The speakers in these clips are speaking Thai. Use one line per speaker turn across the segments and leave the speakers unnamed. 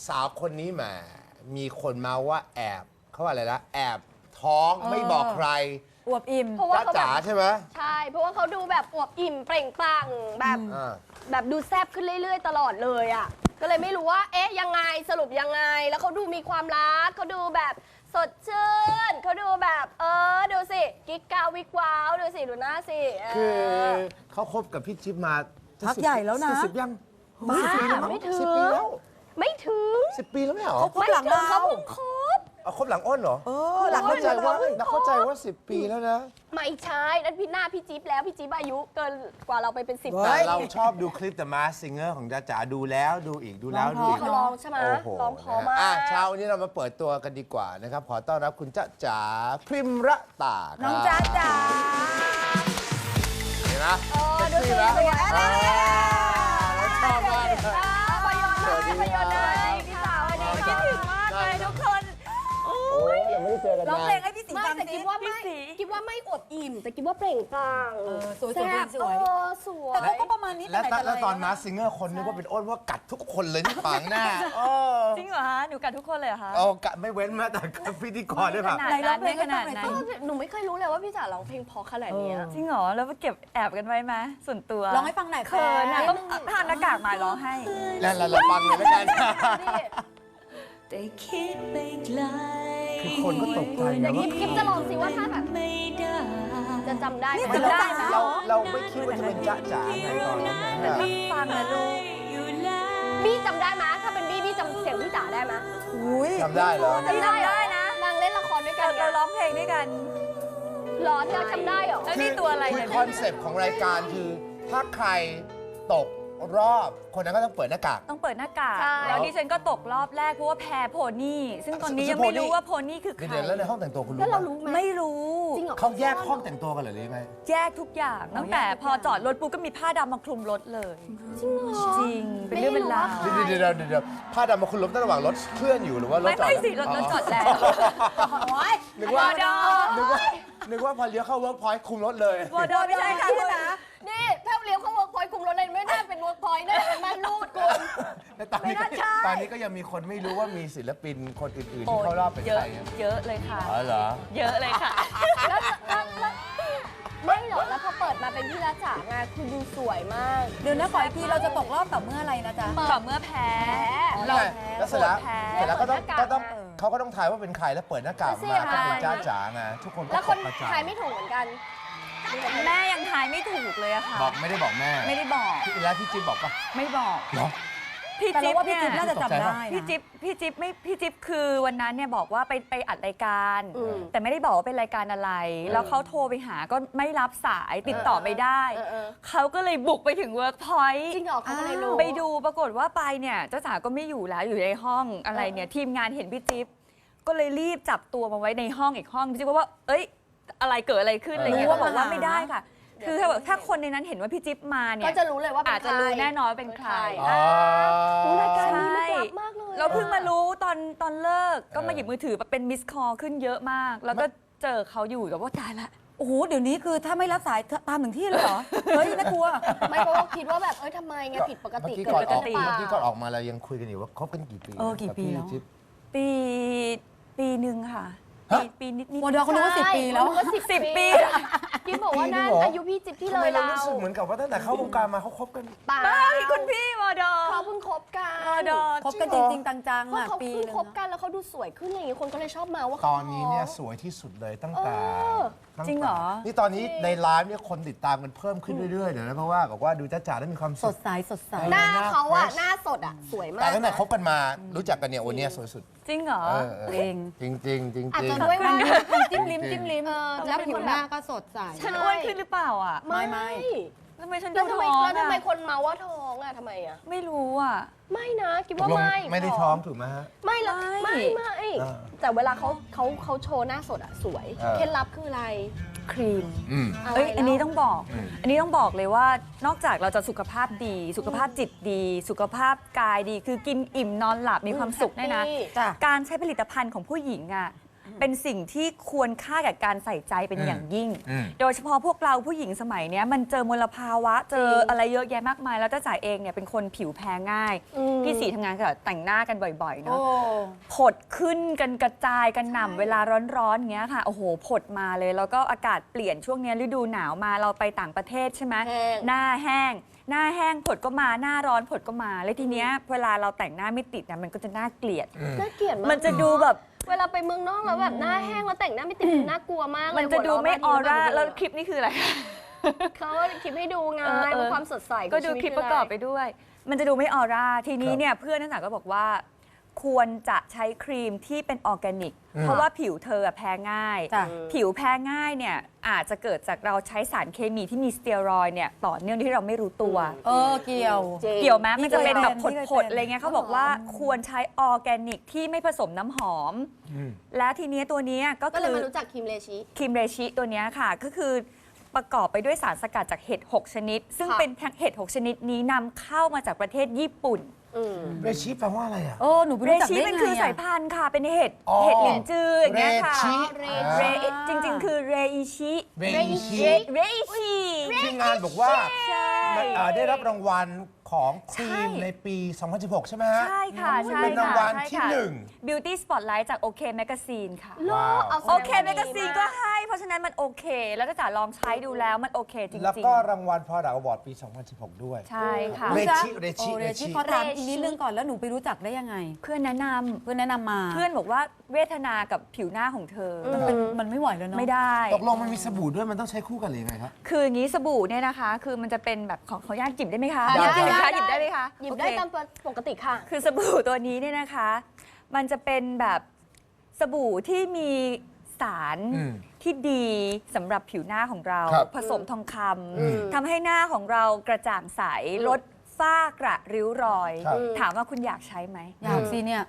สาวคนนี้แหมมีคนมาว่าแอบเขาว่าอะไรนะแอบท้องไม่บอกใคร
อวบอิ่ม
เพราะว่าเขา
จ๋าใช่ไหม
ใช่เพราะว่าเขาดูแบบอวบอิ่มเปล่งปลั่งแบบดูแซ่บขึ้นเรื่อยๆตลอดเลยอ่ะก็เลยไม่รู้ว่าเอ๊ะยังไงสรุปยังไงแล้วเขาดูมีความรักเขาดูแบบสดชื่นเขาดูแบบดูสิกิ๊กกาวิกว้าวดูสิดูหน้าสิ
คือเขาคบกับพี่จิ๊บมา
พักใหญ่แล้วนะ
10 ยัง
ไม่ถึง
10 ปีแล้ว
ไม่ถึง
10 ปีแล้วไม่เหรอ
เขาหลังเรา
เขาเพิ่งคบ
เอาคบหลังอ้นเหรอ
หลัง
เข้าใจว่า10 ปีแล้วนะ
ไม่ใช่นั่นพี่หน้าพี่จิ๊บแล้วพี่จิ๊บอายุเกินกว่าเราไปเป็น10
แต่เราชอบดูคลิป The Masked Singer ของจ๋าดูแล้วดูอีกดูแล้วดูอีก
เขาลองใช่ไหมลองพอมาก
เช้าวันนี้เรามาเปิดตัวกันดีกว่านะครับขอต้อนรับคุณจ๊ะจ๋าพริมระตา
น้องจ๊ะจ๋า
เห็นไหม
ดูสิสวย
เราชอบมากเลย
พยนต์เลยพี่สาววันนี้คิดถึงมากเลยทุกคน
โอ้ยยังไม่ได้เจอกัน
ร้องเพลงให้พี่สีฟัง
แต่คิดว่าไม่อดอิ่มแต่คิดว่าเปล่งปลั่ง
สวยสวยแต่เขาก็ประมาณนี้
แล้วตอนมาซิงเกอร์คนนึกว่าเป็นอ้นว่ากัดทุกคนเลยที่ฝังหน้า
จริงเหรอฮะหนูกัดทุกคนเลยเหรอคะ
กัดไม่เว้นแม้แต่พิธีกรด้วยค่ะ
ไหนร้องเพลงขนาดนั้น
หนูไม่เคยรู้เลยว่าพี่จ๋าร้องเพลงพอขนาดนี้
จริงเหรอแล้วเก็บแอบกันไว้ไหมส่วนตัว
ร้องให้ฟังหน่อย
เขินนะต้องทานหน้ากากมาร้องให้
แล้วเราฟังเลยแล้วกัน
แต่คิดไปไกล
คือคนก็ตกใจนะว่า
คลิปจะลองสิว่าถ้าแบบจะจำได้ไหม
เราไม่คิดว่าจะเป็นจ๊ะจ๋าไงตอนนั้นนะ
ฟังนะลูก
บี้จำได้ไหมถ้าเป็นบี้จำเสียงพี่จ๋าได้ไหม
จำได้เหรอ
จำได้นะนางเล่นละครด้วยกัน
เราร้องเพลงด้วยกัน
ร้อนเราจำได้เหรอ
แล้วนี่ตัวอะไร
คือคอนเซปต์ของรายการคือถ้าใครตกรอบคนนั้นก็ต้องเปิดหน้ากาก
ต้องเปิดหน้ากากแล้วดิฉันก็ตกรอบแรกเพราะว่าแพ้โพนี่ซึ่งตอนนี้ยังไม่รู้ว่าโพนี่คือใคร
แล้วในห้องแต่งตัวคุณรู้
แล้วเรารู้ไหม
ไม่รู้
เขาแยกห้องแต่งตัวกันหรือไง
แยกทุกอย่างตั้งแต่พอจอดรถปุ๊บก็มีผ้าดำมาคลุมรถเลย
จริงเหรอ
จริงเป็นเรื่องเป็นราว
เดี๋ยวผ้าดำมาคลุมรถระหว่างรถเคลื่อนอยู่หรือว่ารถจอด
ไม่สิรถจอดแล้ว
นึกว่าพอเลี้ยวเข้าเวิร์กพอยต์คุมรถเลยว
อดไม่ใช่ค่ะคุณนะ
นี่ถ้าเลี้ยวเข้าเวิร์กพอยต์คุมรถเลยไม่น่าเป็นเวิร์กพอยต์น่าเป็นม่านรูดคุณ
ตอนนี้ก็ยังมีคนไม่รู้ว่ามีศิลปินคนอื่นๆที่เข้ารอบเป็นใคร
เยอะเลยค่ะ
อ๋อเหรอ
เยอะเลยค่ะ
ไม่หรอกแล้วพอเปิดมาเป็นพี่รัชฉางานคือดูสวยมาก
เดี๋ยวนะขออีกทีเราจะตกรอบต่อเมื่ออะไรนะจ๊ะ
ต่อเมื่อแพ้
เราแล้วเสร็จแล้วก็ต้องเขาก็ต้องทายว่าเป็นใครแล้วเปิดหน้ากากมาก็เป็นจ้าจ๋าไงทุกคนก็
แล้วคนทายไม่ถูกเหมือนกัน
แม่ยังทายไม่ถูกเลยอะค่ะ
บอกไม่ได้บอกแม่
ไม่ได้บอก
แล้วพี่จิ๊บบอกปะ
ไม่บอก
เหรอ
พี่จิ๊บ
ว่าพี่จิ๊บน่าจะจำได้
พี่จิ๊บคือวันนั้นเนี่ยบอกว่าไปอัดรายการแต่ไม่ได้บอกว่าเป็นรายการอะไรแล้วเขาโทรไปหาก็ไม่รับสายติดต่อไม่ได้เขาก็เลยบุกไปถึงเวิร์กพอยต์
จริงเหรอเขาก็เลยรู้
ไปดูปรากฏว่าไปเนี่ยเจ้าจ๋าก็ไม่อยู่แล้วอยู่ในห้องอะไรเนี่ยทีมงานเห็นพี่จิ๊บก็เลยรีบจับตัวมาไว้ในห้องอีกห้องจิ๊บว่าเอ้ยอะไรเกิดอะไรขึ้นอะไรเงี้ยบอกว่าไม่ได้ค่ะคือถ้าคนในนั้นเห็นว่าพี่จิ๊บมาเนี่ย
ก็จะรู้เลยว่า
อาจจะรู้แน่นอนว่าเป็นใคร
รายการนี้ลึกลับมากเลย
เราเพิ่งมารู้ตอนเลิกก็มาหยิบมือถือเป็นมิสคอลขึ้นเยอะมากแล้วก็เจอเขาอยู่กับว่าตายละ
โอ้โหเดี๋ยวนี้คือถ้าไม่รับสายตามถึงที่เลยเหรอเฮ้ยน่ากลัว
ไม่เพราะว่าคิดว่าแบบทำไมไงผิดปกติ
เมื่อกี้ก่อนออกมาเรายังคุยกันอยู่ว่าคบกันกี่ปี
กี่ปีแล้ว
ปีหนึ่งค่ะปีนิด
วอดเขารู้ว่า10 ปีแล้ว
10 ปี
กิ๊บบอกว่าน่าอายุพี่จิ๊บที่เลย
เรารู้สึกเหมือนกับว่าตั้งแต่เข้าวงการมาเขาคบกัน
ป้า
คุณพี่วอด
เขาเพิ่งคบกัน
คบกันจริงๆจังๆ
อ่ะปีนึงคบกันแล้วเขาดูสวยขึ้นอะไรอย่างเงี้ยคนก็เลยชอบมาว่า
ตอนนี้เนี่ยสวยที่สุดเลยตั้งแต่
จริงเหรอ
นี่ตอนนี้ในไลฟ์เนี่ยคนติดตามกันเพิ่มขึ้นเรื่อยๆเดี๋ยวนะเพราะว่าบอกว่าดูจ้าจ๋าได้มีความ
สดใส
หน้าเขาอะหน้าสดอะสวยมาก
แต่ตั้งแต่คบกันมารู้จักกันเนี่ยวันนี้สวยสุด
จริงเหรอ
จริง
อาจจะด้วยว่า
จิ้มลิ้มแล้วผิวหน้าก็สดใส
ฉันอ้วนขึ้นหรือเปล่าอ่ะ
ไม่
ทำไมฉันดูท้อง
แล้วทำไมคนเมาว่าท้องอะทำไมอะ
ไม่รู้อ่ะ
ไม่นะคิดว่า
ไม่ได้ท้องถูกไหมฮะ
ไม่ละไม่แต่เวลาเขาโชว์หน้าสดอะสวยเคล็ดลับคืออะไร
ครีมอันนี้ต้องบอกเลยว่านอกจากเราจะสุขภาพดีสุขภาพจิตดีสุขภาพกายดีคือกินอิ่มนอนหลับมีความสุขได้นะการใช้ผลิตภัณฑ์ของผู้หญิงอ่ะเป็นสิ่งที่ควรค่ากับการใส่ใจเป็นอย่างยิ่ง
อืม
โดยเฉพาะพวกเราผู้หญิงสมัยเนี้ยมันเจอมลภาวะเจออะไรเยอะแยะมากมาย แล้วจ้าจ๋าเองเนี่ยเป็นคนผิวแพ้ง่าย พี่สีทำงานกับแต่งหน้ากันบ่อยๆเนาะผดขึ้นกันกระจายกันหน่ำเวลาร้อนๆอย่างเงี้ยค่ะโอ้โหผดมาเลยแล้วก็อากาศเปลี่ยนช่วงเนี้ยฤดูหนาวมาเราไปต่างประเทศใช่ไหม
แห้ง
หน้าแห้งผดก็มาหน้าร้อนผดก็มาแล้วทีเนี้ยเวลาเราแต่งหน้าไม่ติดนะมันก็จะน่าเกลียด
น่าเกลียดมาก
มันจะดูแบบ
เวลาไปเมืองนอกแล้วแบบหน้าแห้งแล้วแต่งหน้าไม่ติดน่ากลัวมากเลย
มันจะดูไม่ออร่าแล้วคลิปนี้คืออะไร
เขาคลิปให้ดูไง
เออ
ความสดใสของ
ก็ดู
ชีวิต
คลิปประกอบไปด้วย มันจะดูไม่ออร่า ทีนี้เนี่ยเพื่อนนักศึกษาก็บอกว่า ควรจะใช้ครีมที่เป็นออร์แกนิก เพราะว่าผิวเธอแพ้ง่าย
จ้ะ
ผิวแพ้ง่ายเนี่ยอาจจะเกิดจากเราใช้สารเคมีที่มีสเตียรอยด์เนี่ยต่อเนื่องที่เราไม่รู้ตัว
เกี่ยว
จริง
เกี่ยวไหมมันจะเป็นแบบ
พี่เคย
ผดๆอะไรเงี้ยเขาบอกว่าควรใช้ออร์แกนิกที่ไม่ผสมน้ำหอม และทีเนี้ยตัวเนี้ยก็
ก็เล
คื
ย
อ
มารู้จักครีมเลชิ
ครีมเรชิตัวเนี้ยค่ะก็คือประกอบไปด้วยสารสกัดจากเห็ด 6 ชนิด ซึ่ง
ค่ะ
เป็นเห็ด 6 ชนิดนี้นำเข้ามาจากประเทศญี่ปุ่น
เรชิแปลว่าอะไรอ่ะ
หนูไป
เร
รู้จัก
ชิ
ได้
มัน
ไง
คือสาย
อะ
พันธุ์ค่ะ เป็นเห็ด
อ๋อ
เห็ดหลินจืออย่างเงี้ยค่ะ
เรชิ
เรจริง ๆ คือเรอิชิ
เรชิ
เรอิชิ
ที่งานบอกว่า
ใช่
ได้รับรางวัลของครีม
ใช่
ในปี 2016 ใช่ไหมฮะ
ใช่ค่ะใช่
เป็นรางวัล
ใช่
ที่
ค่ะ
หนึ่ง
Beauty Spotlight จากโอเคแมกซีนค่ะ
ว้าว
เอาแสดง
โอเค
ว่า
แมกซีน
ดี
ก็
มาก
ให้ เพราะฉะนั้นมันโอเค แล้วก็จ๋าลองใช้ดูแล้วมันโอเคจริงๆ
แล้วก็รางวัลพอดักอวอร์ดปี 2016 ด้วย
ใช่ค่ะ
เร
จ๊ะ
ชิเรชิ
เร
เร
ชิ
ชิ
ขอถามอีกนิดนึงก่อนแล้วหนูไปรู้จักได้ยังไง
เพื่อนแนะนำ
เพื่อนแนะนำมา
เพื่อนบอกว่าเวทนากับผิวหน้าของเธออ
มันไม่ไหวแล้วเนาะ
ไม่ได้
ตกลงมันมีสบู่ด้วยมันต้องใช้คู่กันหรือยังไงครับ
คืออย่างนี้สบู่เนี่ยนะคะ คือมันจะเป็นแบบของเขาญาตหยิบได้ไหมคะ
ได้
หยิบได้ไหมคะหยิบได้ไหมคะ
หยิบได้
โอเค
ตามปกติค่ะ
คือสบู่ตัวนี้เนี่ยนะคะ มันจะเป็นแบบสบู่ที่มีสาร
อืม
ที่ดีสำหรับผิวหน้าของเรา
ครับ
ผสมทองค
อืม
ำทำให้หน้าของเรากระจ่างใสลดฝ้ากระริ้วรอย
ครับ
ถามว่าคุณอยากใช้ไหม
อยากสิเนี่ย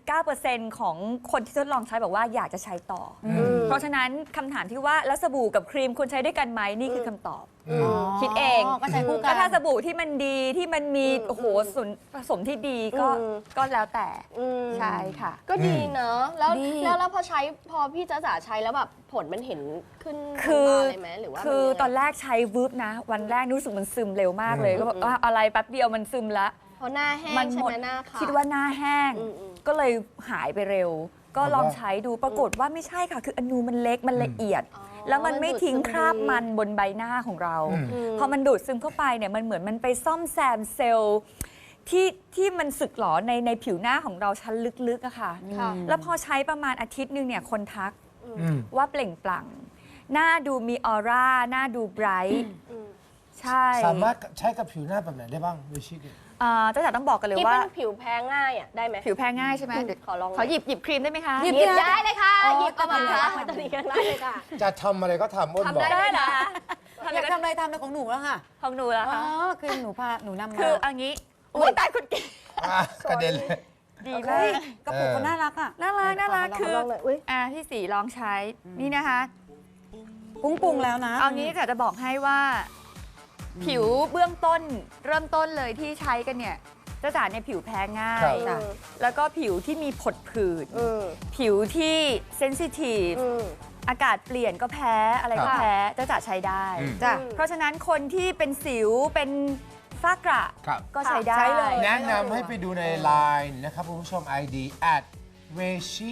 89%ของคนที่ทดลองใช้บอกว่าอยากจะใช้ต่ออเพราะฉะนั้นคำถามที่ว่าแล้วสบู่กับครีมควรใช้ด้วยกันไหมนี่คือคำตอบ คิดเอง
ก็ใช้คู่กั
ก็
น
ถ้าสบู่ที่มันดีที่มันมีโอ้โหส่วนผสมที่ดีก็แล้วแต่ ใช่ค่ะ
ก็ดีเนอะแล้ว
ดี
แล้วพอพี่จ๊ะจ๋าใช้แล้วแบบผลมันเห็นขึ้น
คือ
ตาเลยไหมหรือว่า
คือ
มันยังไง
ตอนแรกใช้วืบนะ วันแรกรู้สึกมันซึมเร็วมากเลยก็แบบว่าอะไรแป๊บเดียวมันซึมละ
เพราะหน้าแห้งใช่
หม
ไหมหน้าขาว
คิดว่าหน้าแห้ง
อืม
ก็เลยหายไปเร็ว ก็
เพราะว่า
ลองใช้ดูปรากฏว่าไม่ใช่ค่ะ คืออนูมันเล็กมันละเอียด แล้วมันไม่ทิ้งคราบมันบนใบหน้าของเรา พอมันดูดซึมเข้าไปเนี่ยมันเหมือนมันไปซ่อมแซมเซลล์ที่มันสึกหรอในผิวหน้าของเราชั้นลึกๆอะค่ะ
ค่ะ
แล้วพอใช้ประมาณอาทิตย์หนึงเนี่ยคนทัก
อืม
ว่าเปล่งปลั่ง หน้าดูมีออร่า หน้าดูไบรท์ใช่
สามารถใช้กับผิวหน้าแบบไหนได้บ้างเรชิเนี่ย
เจ้าจ๋าต้องบอกกันเลย
ที่
ว่า
เป็นผิวแพ้ง่ายอ่ะได้ไหม
ผิวแพ้ง่ายใช่ไหมเดี๋ยว
ขอลองหน่อย
ขอหยิบครีมได้ไหมคะ
หยิบ
หยิบได้เลยค่ะ
อ๋อ
หยิบเอามา
ได้
มาตอนนี้กันได้เลยค่ะ
จะทำอะไรก็ทำอ้นบอก
ได้เหรอคะ
อยากทำอะไรทำเลยของหนูแล้วค่ะ
ของหนูแล้ว
อ๋อ
คะ
คือหนูนำมา
คืออันนี้อุ้ยตายคุณเก๋
กระเด็นเลย
ดีมา
เฮ้ย
ก
กระปุกก็น่ารักอ่ะ
น่ารักคือ
ลองหน่อยอุ๊ย
พี่สีลองใช้นี่นะคะ
ปรุงแล้วนะ
เอางี้จะบอกให้ว่า ผิวเบื้องต้นเริ่มต้นเลยที่ใช้กันเนี่ยเจ้าจ๋าเนี่ยผิวแพ้ง่า
ครั
ย
บ
จ้ะแล้วก็ผิวที่มีผดผื่นผิวที่เซนซิทีฟอากาศเปลี่ยนก็แพ้อะไรก็
ครับ
แพ้เจ้าจ๋าใช้ได้
จ้ะ
เพราะฉะนั้นคนที่เป็นสิวเป็นฝ้ากระ
ครับ
ก็ใช้ได้
ใช้เลย
แนะนำให้ไปดูใน Line นะครับคุณผู้ชม ID @reshi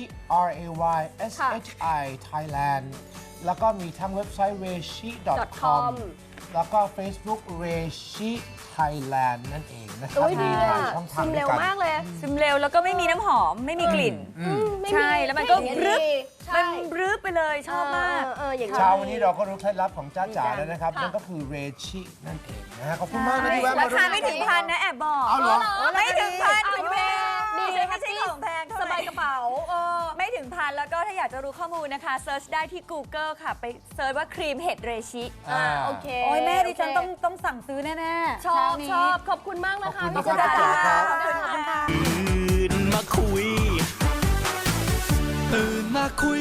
RAYSHI Thailand แล้วก็มีทั้งเว็บไซต์ reshi.com แล้วก็ Facebook reshi Thailand นั่นเองนะครับ
โอ้ยดีเลย
หลา
อะ
ยช่องทา
ซึ
ง
ม
ด้ว
เร็
ยว กัน
มากเลย
ซึมเร็วแล้วก็ไม่มีน้ำหอมไม่มีกลิ่น
ไม่
ใช่
มี
แล้วมันก็
อย่าง
รึบ
ดีใช่
มันรึบไปเลยชอบมาก
อย่างนี้
เช้าวันนี้เราก็รู้เคล็ดลับของจ้าจ๋าแล้วนะครับ
ค่ะ
นั่นก็คือเรชินั่นเองนะฮะขอบคุณมากนะที่แวะมา
ราคาไม่ถึงพันนะแอบบอก
เอาเหรอ
ไม่ถึงพัน
เอา
คุณ
แพ
แม่
งดี
ไม่ใช่ของแพงเท่าไหร่
สบายกระเป๋า
ไม่ถึงพันแล้วก็ถ้าอยากจะรู้ข้อมูลนะคะเซิร์ชได้ที่ Google ค่ะ ไปเซิร์ชว่าครีมเห็ดเรชิ
โอเค
โอ้ยแม่ดิฉัน
โเค
ต้องสั่งซื้อแน่ๆ
ชอบ
เช้านี้
ชอบขอบคุณมากนะคะ
ขอบคุณ
พี่
มาก
จ๊ะ
ครับ
ขอบคุณค่ะ
ตื่นมาคุย ตื่นมาคุย